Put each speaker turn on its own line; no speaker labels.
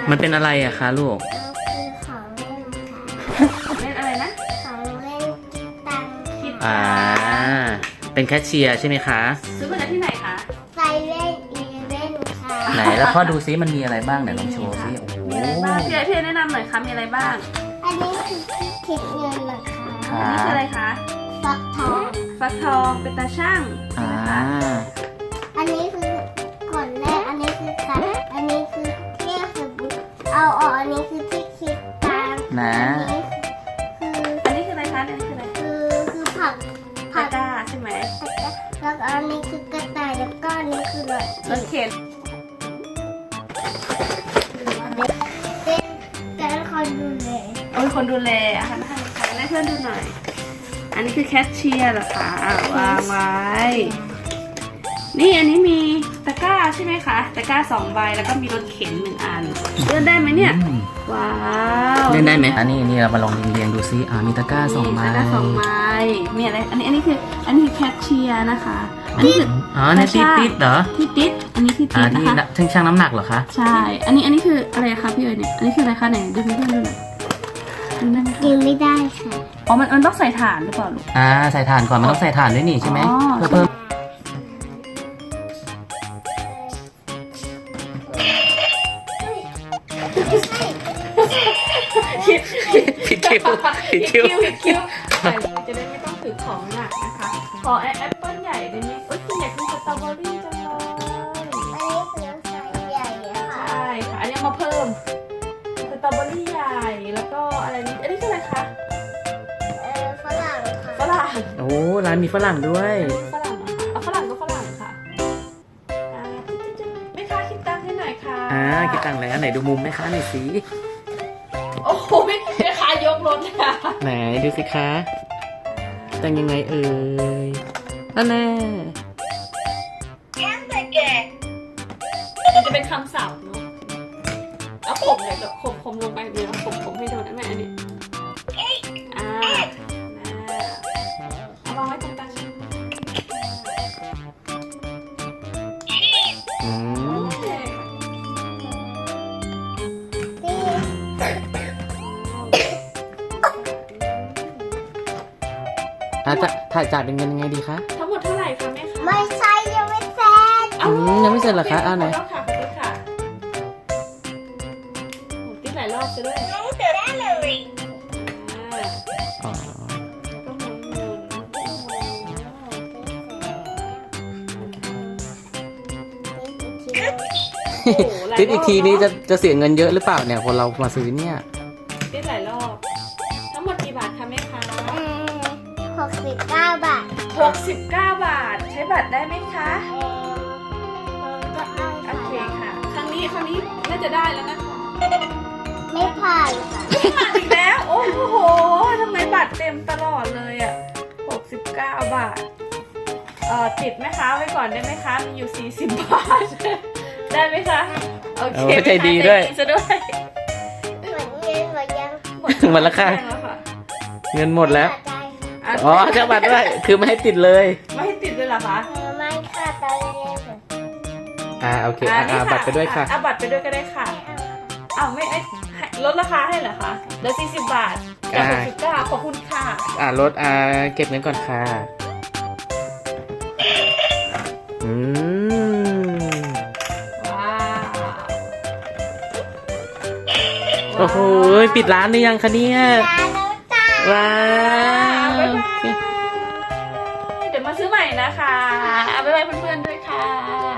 มันเป็นอะไรอะคะลูก
คือของเล่นค่ะ
เล่นอะไรนะ
ของเล่นคิดตัง
คิด
อ่าเป็นแคชเชียร์ใช่ไหมคะ
ซื้อมาจากที่ไหนคะ
ไซเว่นอีเว่นค่ะ
ไหนแล้วพ่อดูซิมันมีอะไรบ้างไหนลองโชว์ซิโอ้โห
มีอะไรบ้างพี่แนะนำหน่อยค่ะมีอะไรบ้าง
อันนี้คือที่คิดเงินนะคะ
ค
อัน
รั
นี้คืออะไร
บ
คะ
ฟักทอง
ฟักทองเป็นตาช่างใช่
อ่า
ไหมคะ
อันนี้คือก่อนแรกอันนี้คือคัดอันนี้คือเที่ยวสบู่เอาออกอันนี้คือที่คิดตัง
นะ
อันนี้คือ
อันนี้คืออะไรคะอันนี้คืออะไร
คือผัก
ตะกร้าใช่ไหม
แล้วก็อันนี้คือกระต่ายแล้วก็อันนี้คือรถ
รถเข็น
เป็นการคอยดูแล
เอาเป็นคนดูแลอาหารให้เพื่อนดูหน่อย อันนี้คือแคชเชียร์เหรอคะวางไว้ นี่อันนี้มีตะกร้าใช่ไหมคะตะกร้า2 ใบแล้วก็มีรถเข็น1 อันเลื่อนได้ไหมเนี่ย
อืม
ว้าว
เล่นได้ไหมอันนี้เรามาลองเรียงดูซิมีตะกร้าสองไม้
ตะกร้า2 ใบมีอะไรอันนี้คือแคชเชียร์นะคะอันนี้คือ
อ๋อในติดเหรอ
ที่ติดอันนี้ที่ติด
ที่
นะคะ
ช่างน้ำหนักเหรอคะ
ใช่อันนี้คืออะไรคะพี่เอ๋ยเนี่ยอันนี้คืออะไรคะไหนดูเพื่อนๆดูหน่อยดูได้ไหมคะ
กินไม่ได้ค่ะ
อ๋อมันต้องใส่ถ่านหรือเปล่าลูก
ใส่ถ่านก่อนมันต้องใส่ถ่านด้วยนี่ใช่ไหม
อ๋อ
เพื่อเพิ่มผิดคิวผิดคิว
ใส่เลยจะได้ไม่ต้องถือของหนักนะคะ ขอแอปเปิ้ลใหญ่ได้ไหมเอ้ยคุณอยากกินสตรอเบอรี่จังเลย
อันนี้คือไซส์ใหญ่อะค่ะ
ใช่ค่ะ อันนี้เอามาเพิ่มสตรอเบอรี่ใหญ่แล้วก็อะไรนี้อันนี้คืออะไรคะ
ฝรั่งค่ะ
ฝรั่ง
โอ้ร้านมีฝรั่งด้วย
ฝรั่งเหรอคะเอาฝรั่งก็ฝรั่งค่ะอ่าจิ๊บๆไม่ค้าคิดตังค์ให้หน่อยค่ะ
คิดตังค์แล้วไหนดูมุมแม่ค้าหน่อยสิ
โอ้โหไม่ค้ายกรถเลยค่ะ
ไหนดูสิคะแต่งยังไงเอ่ยนั่นแน่
มันจะเป็นคำศัพท์เนาะเอาผมเลยแบบผมลงไปเดี๋ยวผมให้โดนนะแม่อันนี้เอาวางไว้ตรงกลาง
อืม จะถ่ายจ่ายเป็นเงินยังไงดีคะ
ทั้งหมดเท่าไหร่คะแม่คะ
ไม่ใช่ยังไม่เสร็จ
ยังไม่เสร็จเหรอคะไหน
ขอโทษค่ะติ๊กหลายรอบจะด้วย
อ๋อ
ก็หมุน
ติดอีกทีนี้จะเสียเงินเยอะหรือเปล่าเนี่ยคนเรามาซื้อเนี่ย
ติ๊กหลายรอบทั้งหมดกี่บาทคะแม่คะ
69 บาท
69 บาท ใช้บัตรได้ไหมคะ
ก็เอา
โอเคค่ะ ครั้งนี้น่าจะได้แล้วนะคะ
ไม่ผ่านค่ะ
ผ่านอีกแล้ว โอ้โหทำไมบัตรเต็มตลอดเลยอ่ะ69 บาทติดไหมคะไว้ก่อนได้ไหมคะ มีอยู่40 บาท ได้ไหมคะ โอเค
ใจดีด้วย
ซะด้วย
เหมือนเงินหมดยัง
หมดแล้วค่ะ
แล้วค่ะ
เงินหมดแล้ว
ได้
อ๋อเจ้าบัตรด้วยคือไม่ให้ติดเลย
ไม่ให้ติดเลยเหรอคะ
ไม่ค่ะตอนนี้ค่ะ
โอเค
นี่ค่ะ
บัตรไปด้วยค่ะ
เอาบัตรไปด้วยก็ได้ค่ะอ้าวไม่ลดราคาให้เหรอคะเหลือ40 บาทจาก69ขอบคุณค่ะ
รถเก็บเงินก่อนค่ะอืม
ว้าว
โอ้โหปิดร้านหรือยังคะเนี่ย
ร้านน้ำตาล
ว้าว
บ๊ายบายเดี๋ยวมาซื้อใหม่นะคะเอาไปไว้เพื่อนๆด้วยค่ะ